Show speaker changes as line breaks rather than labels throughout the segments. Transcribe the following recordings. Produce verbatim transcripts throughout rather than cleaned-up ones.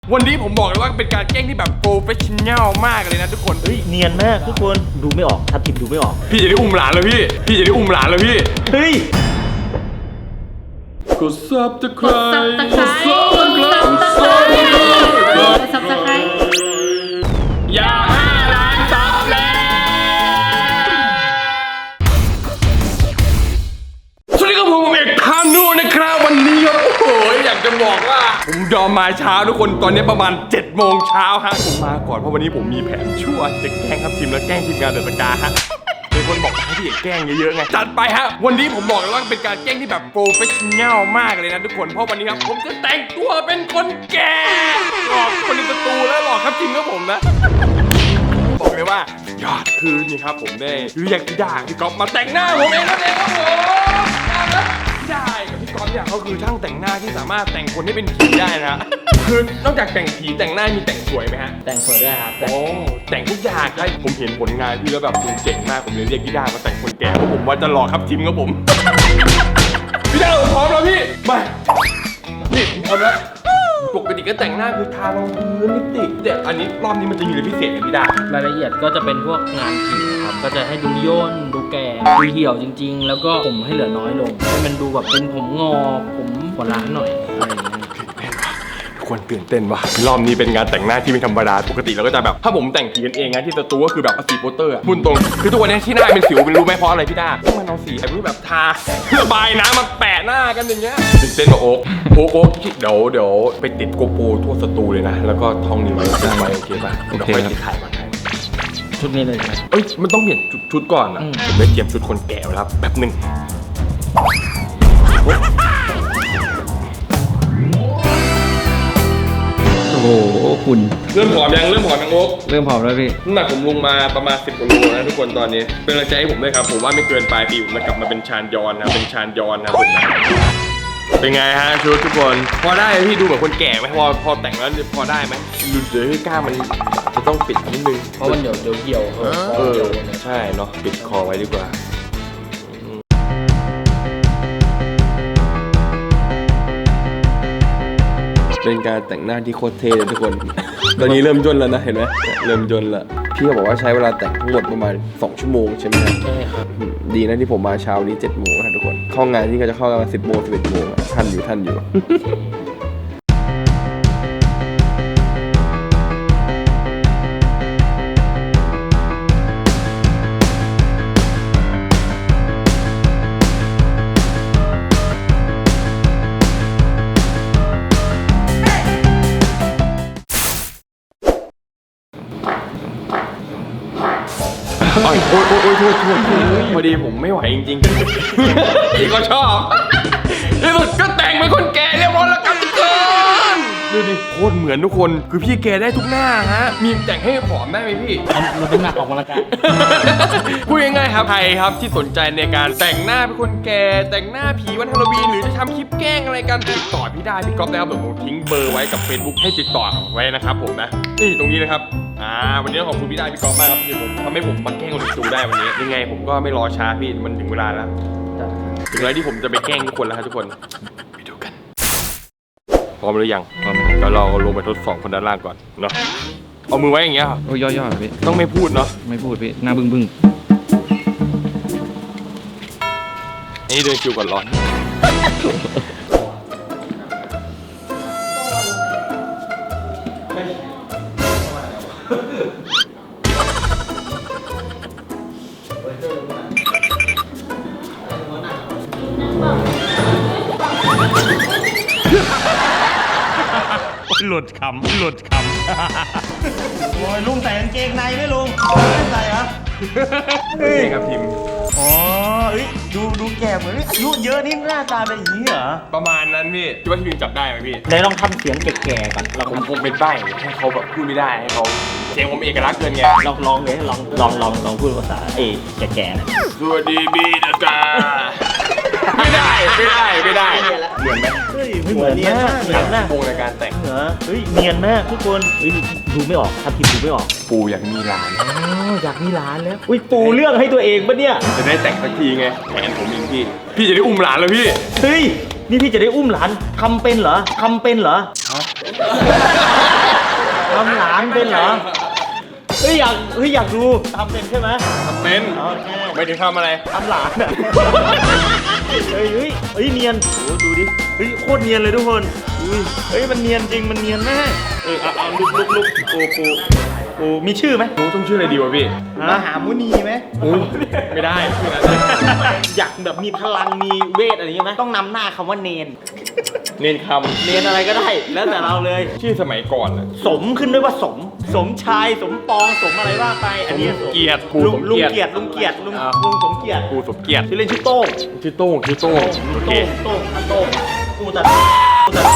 วันนี้ผมบอกเลยว่าเป็นการแกล้งที่แบบโปรเฟชชั่นแนลมากเลยนะทุกคน
เฮ้ยเนียนมากทุกคนดูไม่ออกทับทิมดูไม่ออก
พี่จะได้อุ้มหลานแล้วพี่พี่จะได้อุ้มหลานแล้วพี่
เฮ้ย
กดซับตะไคร้
กดซับตะไคร้กดซับตะไคร้กดซับตะไคร้
อย่าห้าล้านซับแล้วสวัสดีครับผมเอกคานูนะครับวันนี้ครับโอ้โหอยากจะบอกว่าผมยอมมาเช้าทุกคนตอนนี้ประมาณเจ็ดโมงเช้าฮะผมมาก่อนเพราะวันนี้ผมมีแผนชั่วจะแกล้งครับทีมและแกล้งทีมงานเดอะสกาฮะมีคนบอกให้พี่เอกแกล้งเยอะๆไงจัดไปฮะวันนี้ผมบอกเลยว่าเป็นการแกล้งที่แบบโปรเฟชชั่นแนลมากเลยนะทุกคนเพราะวันนี้ครับผมจะแต่งตัวเป็นคนแก่หลอกคนในสตูแล้วหลอกครับทีมกับผมนะบอกเลยว่ายอดคือนี่ครับผมได้เรียกพี่ดาพี่ก๊อฟมาแต่งหน้าผมเองนั่นเองครับผมพี่ดากับพี่ก๊อฟเนี่ยเขาคือช่างแต่งหน้าที่สามารถแต่งคนให้เป็นผีได้นะคือนอกจากแต่งผีแต่งหน้ามีแต่งสวยไหมฮะ
แต่งสวยด้วยครับ
โอ้แต่งทุกอย่างใช่ผมเห็นผลงานพี่แล้วแบบคุณเจ๋งมากผมเลยเรียกพี่ดามาแต่งคนแก่เพราะผมว่าจะหลอกครับทีมกับผมพี่ดาพร้อมแล้วพี่มานี่พร้อมแล้วปกติก็แต่งหน้าคือทารองพื้นลิปสติกแต่อันนี้รอบนี้มันจะมีอะไรพิเศษกันพี่ดาร
ายละเอียดก็จะเป็นพวกงานผิวครับก็จะให้ดูย่นดูแก่ดูเหี่ยวจริงๆแล้วก็ผมให้เหลือน้อยลงให้มันดูแบบเป็นผมงอกผมหัวล้านหน่อยอะไรอย่างเงี้ย
ควรตื่นเต้นว่ะรอบนี้เป็นงานแต่งหน้าที่ไม่ธรรมดาปกติเราก็จะแบบถ้าผมแต่งผีกันเองนะที่สตูก็คือแบบเอาสีโปสเตอร์พุ่นตรงคือทุกวันนี้ที่หน้าเป็นสิวเป็นรู้ไหมเพราะอะไรพี่ดาต้องมันเอาสีไอ้พวกแบบทาระบายน้ำมาแปะหน้ากันอย่างเงี้ยตื่นเต้นมาโอ๊กโอ๊กโอ๊กเดี๋ยวเดี๋ยวไปติดโกโปรทั่วสตูเลยนะแล้วก็ท่องนี้ไว้จำไว้โอเคป่ะเดี๋ยวค่อยติดถ่ายมาให้
ชุดนี้เลยใช่ไหม
เอ้ยมันต้องเปลี่ยนชุดก่อนนะผมได้เตรียมชุดคนแก่ไว้แล้วแป๊บนึง
โอ้โหคุณ
เริ่มผอมยังเริ่มผอมยังโอ๊ก
เริ่มผอมแล้วพี่
น้ำหนักผมลงมาประมาณสิบกว่าโลนะทุกคนตอนนี้เป็นกำลังใจให้ผมด้วยครับผมว่าไม่เกินปลายปีผมจะกลับมาเป็นชานยอนนะเป็นชานยอนนะผมเป็นไงฮะชุดทุกคนพอได้พี่ดูเหมือนคนแก่ไหมพอพอแต่งแล้วพอได้ไหมหลุดเลยกล้ามันจะต้องปิดนิดนึง
เพราะมันเดี๋ยวเดี๋ยวเหี่ยว
เออใช่เนาะปิดคอไว้ดีกว่าเป็นการแต่งหน้าที่โคตรเท่เลยทุกคน ตอนนี้เริ่มย่นแล้วนะเห็นไหมเริ่มย่นละพี่เขาบอกว่าใช้เวลาแต่งทั้งหมดประมาณสองชั่วโมงใช่ไหมครับ
ใช่ครับ
ดีนะที่ผมมาเช้านี้เจ็ดโมงนะทุกคนเข้างานที่ก็จะเข้ากันมาสิบโมงสิบเอ็ดโมงทันอยู่ทันอยู่ โอ้ยโอ้ยโอ้ยโอ้ยโทษโทษพอดีผมไม่ไหวจริงๆพี่ก็ชอบที่สุดก็แต่งเป็นคนแก่เรียบร้อยแล้วกันทุกคนดูดิโคตรเหมือนทุกคนคือพี่แกได้ทุกหน้าฮะมีแต่งให้ผอมได้ไหมพี่
มันเป็นหนักออกมาละกัน
พูดง่ายๆครับใครครับที่สนใจในการแต่งหน้าเป็นคนแก่แต่งหน้าผีวันฮาโลวีนหรือจะทำคลิปแกล้งอะไรกันติดต่อพี่ได้พี่ก๊อฟได้ครับเดี๋ยวผมทิ้งเบอร์ไว้กับ Facebook ให้ติดต่อไว้นะครับผมนะนี่ตรงนี้นะครับอ่าวันนี้ขอบคุณพี่ได้พี่ก๊อฟมากครับที่ผมทำให้ผมมาแกล้งคนดูได้วันนี้ยังไงผมก็ไม่รอช้าพี่มันถึงเวลาแล้วถึงเวลาที่ผมจะไปแกล้งทุกคนแล้วครับทุกคนไปดูกันพร้อมหรือยังพร้อมเดี๋ยวเราลงไปทดสอบคนด้านล่างก่อนเนาะเอามือไว้อย่างเงี้ย
โอ้ยย่อๆพี่
ต้องไม่พูดเนาะ
ไม่พูดพี่หน้าบึ้งบึ้ง
นี่เดินคิวก่อนร้อนหลุดคำหลุดคำ
โอ้ยลุงใส่กางเกงในไหมลุงไม่ใส่เหรอ
เฮ้ยครับทีม
อ๋อเอ้ยดูดูแก่เหมือนอายุเยอะนี่หน้าตาเป็นอย่างนี้เหรอ
ประมาณนั้นพี่คิดว่าทีมจับได้ไหมพี่
ไหนลองทำเสียงแก่ๆก่อนเรา
ผมคงเป็นใบ้ให้เขาแบบพูดไม่ได้ให้เขาเสียงผมเอกลักษณ์เกินไง
ลองลองเลยลองลองลองลองพูดภาษาเอแก่ๆนะ
สวัสดีบีนะจ๊ะไม่ได้ไม่ได้ไม่ได้เหมือนไหม
เฮ้ยไม่เหมือนมากเหมือนนะ
วงในการแต่ง
เหรอเฮ้ยเนียนมากทุกคนเฮ้ยดูไม่ออกทับทิมดูไม่ออก
ปูอยากมีหลาน
อ๋ออยากมีหลานแล้วอุ้ยปูเรื่องให้ตัวเองปะเนี่ย
จะได้แต่งสักทีไงแทนผมเองพี่พี่จะได้อุ้มหลานแล้วพี่
เฮ้ยนี่พี่จะได้อุ้มหลานทำเป็นเหรอทำเป็นเหรอ
ท
ทำหลานเป็นเหรอ เฮ้ยอยากเฮ้ยอยากดูทำเป็นใช่ไหม
ทำเป็น
โอเค
ไม่ได้ทำอะไร
ทำหลานอ่ะ เฮ้ยเฮ้ยเฮ้ยเนียนโอ้ดูดิ เฮ้ยโคตรเนียนเลยทุกคนอุ้ยเฮ้ยมันเนียนจริงมันเนียนมากเออเอาเอาลุกลุกลุกปูปูปูมีชื่อไหม
โอ้ต้องชื่ออะไรดีวะพี่
มหามุนีไหม
โอ้ไม่ได้ชื่อนั้น
อยากแบบมีพลังมีเวทอะไรอย่างเงี้ยไหมต้องนำหน้าคำว่าเนน
เน้นค
เนนอะไรก็ได้ แล้วแต่เราเลย
ำชื่อสมัยก่อนอะ
สมขึ้นด้วยว่าสม สมชายสมปองสมอะไรว่าไป อันนี้สม
เกียรติปู
ลุง
สม
ลุง
เกียรติ
เกียรติลุงเกียรติลุง
อ่า
ลุงสมเกียรติ
ปูสมเกียรติ
ชื่อเล่นชื่อโต้ง
ชื่อโต้งชื่อโต้งโอเค
โต้งโต้งอันโต้งกูแต่กูแต่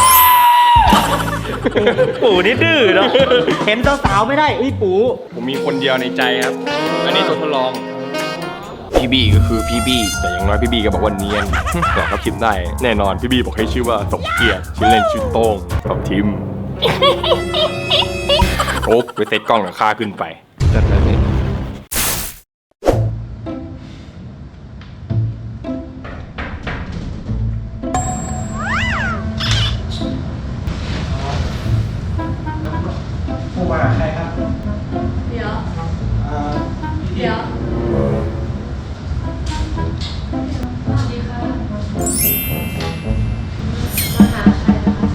ปู่นี่ดื้อเนาะเห็นสาวๆไม่ได้เอ้ยปู่
ผมมีคนเดียวในใจครับ อันนี้ตัวทดลอง พี่บี้ก็คือพี่บี้แต่อย่างน้อยพี่บี้ก็บอกว่าเนียน แต่เขาคิดได้แน่นอนพี่บี้บอกให้ชื่อว่าสมเกียรติชื่อเล่นชื่อโต้งกับทิมโอ๊กไปเซตกล้องหลังคาขึ้นไปจัดไปเลย
เดี๋ยว เดี๋ยวสวัสดีค่ะมาหาใครนะคะ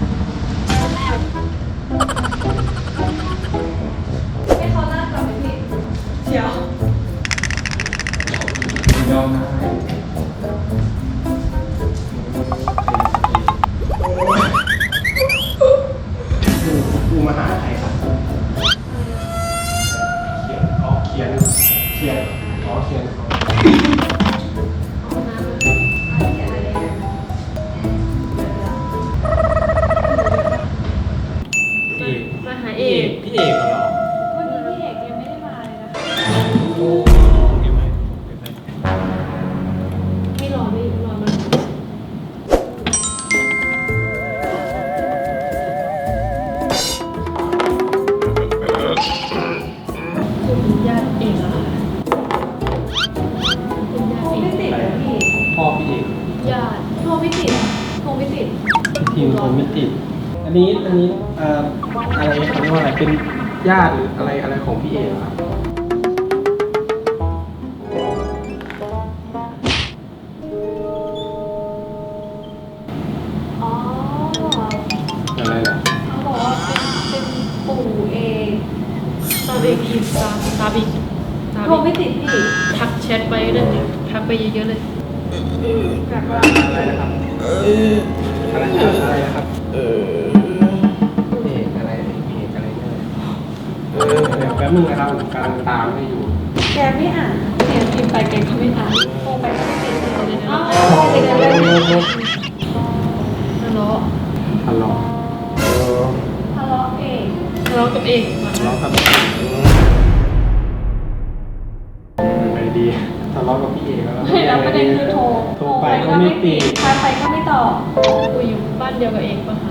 ให้เขานั่งก่อนไหมพี่เดี๋ยว
กูมาหาใครครับ เขียนอ๋อเขียน เขียนอ๋อเขียน
เอาน้ำมาเขียนอะไรเนี่ย
พี่
มาหาเอ
พี่
ก
เอกพี่เอกเหรอ
เมื่อกี้พี่เอกยังไม่ได้มาเลยนะคะ
โอ้เก็บไว้เก็บไว้
ไม่รอไม่รอมันคุณญาติเอกเหรอคะคุณญาติเอกไม่ติดนะพี่
พ่อพี่เอก
ญาติโทรไม่ติดโทรไม่ติด
ทีมผมไม่ติด อันนี้อันนี้เอ่ออะไรเขาเรียกว่าอะไรเป็นญาติหรืออะไรอะไรของพี่เอกเหรอครับ
อ๋อ
อะไรเหรอ
เขาบอกว่าเป็นเป็นปู่เองตาเบกินตาตาบิกโทรไม่ติดพี่ทักแชทไปนั่นเองทักไปเยอะๆเลยแบบว่า
อะไรนะครับอะไรอะไรนะครับเออพี่เอกอะไรพี่เอกอะไรเนี่ยเออเดี๋ยวแป๊บนึงนะครับผมกำลังตามให้อยู่
แกไม่อ่านแกพิมพ์ไปแกก็ไม่อ่านโทรไปก็ไม่ติดเลยนะติดอะไรทะเลาะ
ทะเลาะเออ
ทะเลาะเองทะเลาะกับเอง
ทะเลาะกับอะไรดีทะเลาะกับพี่เอกแล้ว
ไม่แล้วประเด็นคือโทร
โทรไปก็ไม่ติด
ทักไปก็ไม่ตอบคุยอยู่บ้านเดียวกับเองปะคะ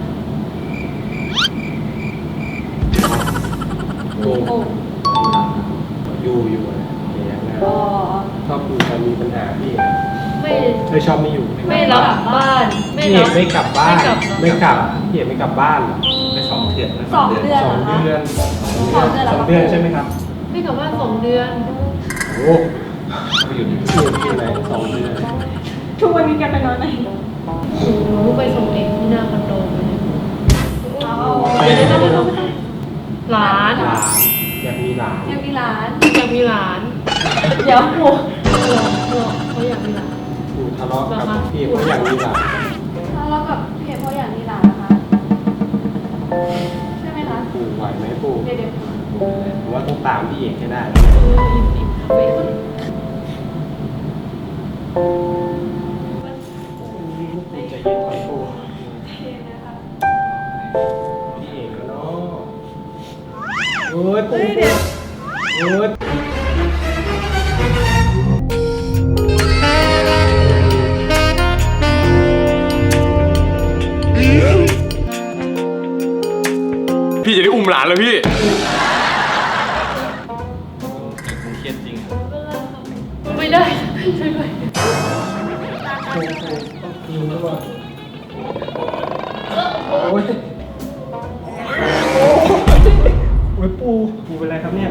โอ้
โอ้
อยู่อยู่อะไรอย่างเงี้ยนะ
อ๋อ
ชอบอยู่แต่มีปัญหาพี่เอก
ไม่
เธอชอบไม่อยู่
ไม่รับบ้านไม่
พี่เอ
รั
ก
บ
ไม่กลับบ้าน
ไม่กลับ
ไม่กลับพี่เอกไม่กลับบ้านเหรอ
ไปสองเดือน
สองเดือน
ส
เห
อ
รง อคะ
เดือน
สองเดือนเหรอ
สองเดือนใช่ไหมครับ
ไม่กลับบ้านสองเดือน
โอ้ไปอยู่ที่พี่เอกที่ไหนสองเดือน
ทุกวันนี้แกไปนอนไหนหนูไปส่งเองที่หน้าคอนโดเลยเดี๋ยวได้ไม่ต้องหลาน
หลานอยากมีหลาน
ยังมีหลานอยากมีหลาน เดี๋ยวหนูเขาอยากมีหลาน
ปู่ทะเลาะกับพี่เอกเพราะอยากมีหลาน
แล้วกับพี่เอกเขาอยากมีหลานนะคะใช่ไหมคะ
ปู่ไหวไหมปู่
เดี๋ยวเดี๋ยว
ผมว่าต้องตามพี่เอกให้ได้
เอออิ่มอิ่มไปก่อน
ปู่ใจเย็นไว้ปู่พี่เอกแล้วเนาะโอ้ยปู่โอ้ย
พี่จะได้อุ้มหลานแล้วพี่
เครียดจริง
ไม่ได้ช่วยด้วย
โอ้ยโอ้ยโอ้ยฮ้ยปูปูเป็นไรครับเนี่ย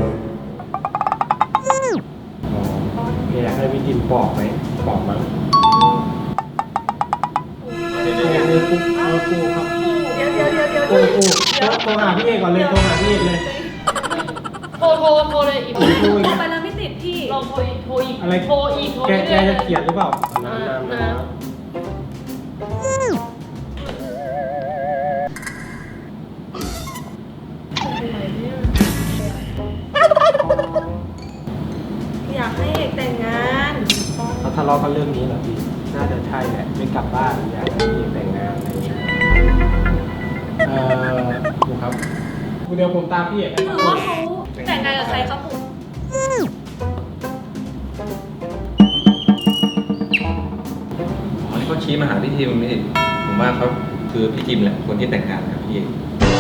อ๋ออยากให้พี่จิมปอกไหมปอกมั้งปูปูปูครับ
เดี๋ยวเดี๋ยวเดี๋ยวเดี๋ยว
ปูปูโทรหาพี่เอกก่อนเลยโทรหาพี่เอกเลย
โทรโทรโทรเลยอีก
โทรอีก
ไปแล้วไม่ติดพี่ลองโทรอีกโทรอีก
อะไร
โทรอีกโทร
แก
อีก
แกจะเกลียดหรือเปล่าน้ำน้ำน้ำ
อยากให้เอกแต่งงาน
เขาทะเลาะกันเรื่องนี้เหรอพี่น่าจะใช่แหละไม่กลับบ้านอยากให้พี่แต่งงานอะไรอย่างเงี้ยเอ่อดูครับเดี๋ยวผมตามพี่เอกไป
หรือว่าเขาแต่งงานกับใครครับผม
อ๋อที่เขาชี้มาหาพี่ทีมนี่ผมว่าเขาคือพี่ทีมแหละคนที่แต่งงานกับพี่เอก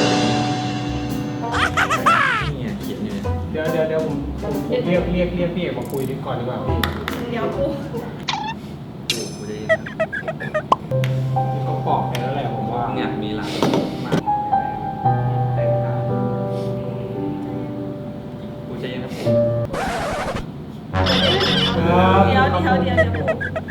นี่ไงเขียนอยู่เนี่ย
เดี๋ยวเดี๋ยวเดี๋ยวผมผมผมเรียกเรียกเรียกพี่เอกมาคุยดีก่อนดีกว่าพี่
เดี๋ยวกู
โอ้โหได้ยิน
เขาบอกไปแล้วแหละผมว่าง
านมีหลาย
มากแต่งงาน
กูใจเย็นครับผม
เดี๋ยวเดี๋ยวเดี๋ยวเดี๋ยวกู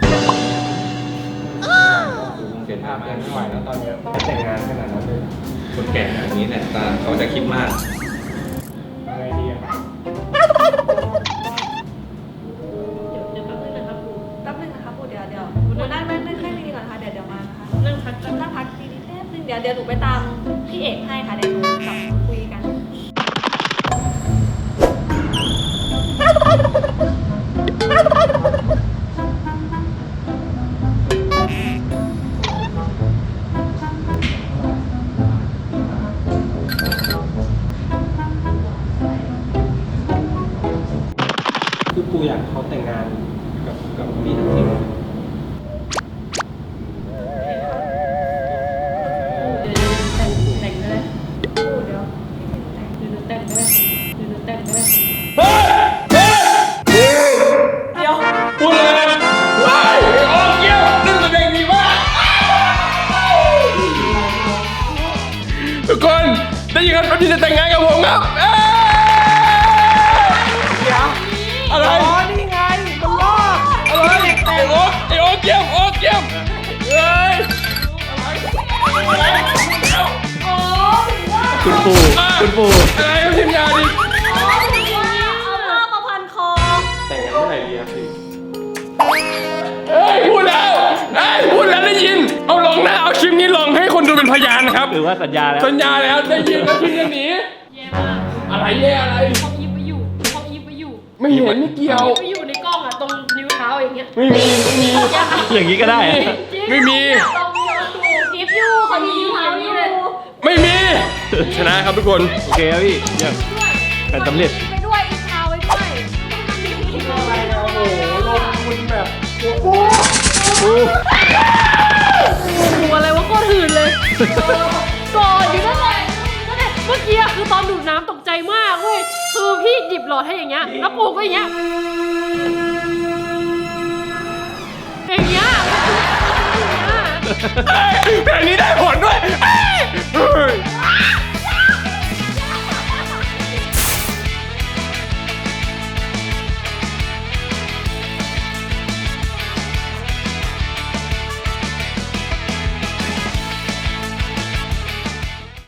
กูคงเปลี่ยน
ภา
ภา
พ
พ
ยัง
ไม่
ไม่
ไห วแล้ว ว
ไหวแล้ตอนเนี้ยจะแต่งงานขนาดนั้นเลย
คนแก่อย่างนี้เนี่ยตาเขาจะคิดมาก
ยังไงดีอะ
เดี๋ยวแป๊บนึงนะครับกู
แป๊บนึงนะคะปูเดี๋ยวเดี๋ยวหนูนั่งนั่งนั่งแค่นี้ก่อนค่ะเดี๋ยวเดี๋ยวมานะคะ
นั่งพัก
นั่งพักดีๆแป๊บนึงเดี๋ยวเดี๋ยวหนูไปตามพี่เอกให้ค่ะเดี๋ยวหนูกลับมาคุยกัน
คือปูอยากให้เขาแต่งงานกับกับพี่ทัพทิม
เดี๋ยวแต่งแต่งก็ได้
ปูเดี๋ยวพี่ถึงแต่ง
เดี๋ยวแต่งก็ได้เดี๋ยวแต่งก็ได้
เฮ้ยเฮ้ย
เดี๋ยว
พูดเลยว้ายโอ้เกี้ยวนึกแสดงดีมากทุกคนได้ยินครับพี่จะแต่งงานกับผมครับเอ้ยอะไรอ๋อนี่ไงมันรอดอะไรไอ้โอ๊คไอ้โอ๊คเกี้ยมโอ๊คเกี้ยมเฮ้ย
คุณปู่คุณปู่
อะไรครับทีมงานดิ
อ๋อถึงว่าเอาผ้ามาพันคอ
แต่งงานเมื่อไหร่ดีครับพี่
เฮ้ยพูดแล้วเฮ้ยพูดแล้วได้ยินเอาลองนะเอาคลิปนี้ลองให้คนดูเป็นพยานนะครับ
หรือว่าสัญญาแล้ว
สัญญาแล้วได้ยินแล้วทีมจะหนี
แย่มาก
อะไรแย่อะไร
เขายิบไปอยู่เขายิบไปอยู่
ไม่เห็นไม่เกี่ยว
ไปอยู่ในกล้องอะตรงนิ้วเท้าอย่างเงี้ย
ไม่มีไม่มี
อย่างนี้ก็ได้อะ
ไม่มี
ตรงนิ้วถูกกิฟอยู่เขามีนิ้วเท้านี่เลย
ไม่มี ชนะครับทุกคน
โอเคครับพี่เยี่ยมการสำเร็จ
ไปด้วยอีกเท้าไว้ด้วย
อะไรนะโอ้โหลงทุนแบบโอ้โห
หัวอะไรวะโคตรหื่นเลยก่อนอยู่นั่นแหละนั่นแหละเมื่อกี้อะคือตอนดูดน้ำตกใจมากเว้ยคือพี่หยิบหลอดให้อย่างเงี้ยแล้วปู่ก็อย่างเงี้ยอย่างเงี้ยอย่างเงี้ย
เฮ้ยเพลงนี้ได้ผลด้วยเฮ้ยเฮ้ย